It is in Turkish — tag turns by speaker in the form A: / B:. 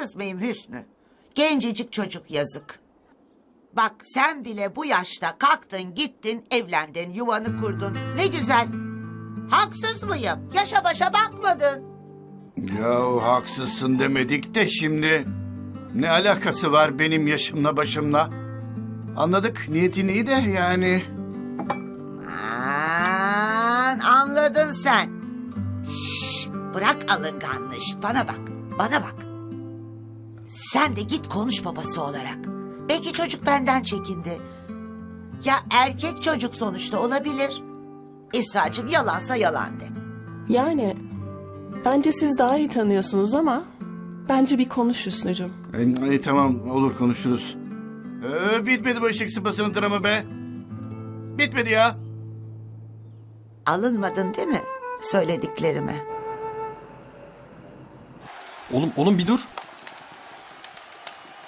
A: Haksız mıyım Hüsnü? Gencecik çocuk yazık. Bak sen bile bu yaşta kalktın gittin evlendin yuvanı kurdun. Ne güzel. Haksız mıyım? Yaşa başa bakmadın.
B: Yahu haksızsın demedik de şimdi. Ne alakası var benim yaşımla başımla? Anladık niyetin iyi de yani.
A: Aman, anladın sen. Şşş, bırak alınganlığı. Şşt, bana bak. Bana bak. Sen de git konuş babası olarak. Belki çocuk benden çekindi. Ya erkek çocuk sonuçta olabilir. İsracığım yalansa yalan de.
C: Yani bence siz daha iyi tanıyorsunuz ama bence bir konuş Hüsnü'cüm.
B: Tamam olur konuşuruz. Bitmedi bu eşek sıpasının dramı be. Bitmedi ya.
A: Alınmadın değil mi söylediklerime?
D: Oğlum bir dur.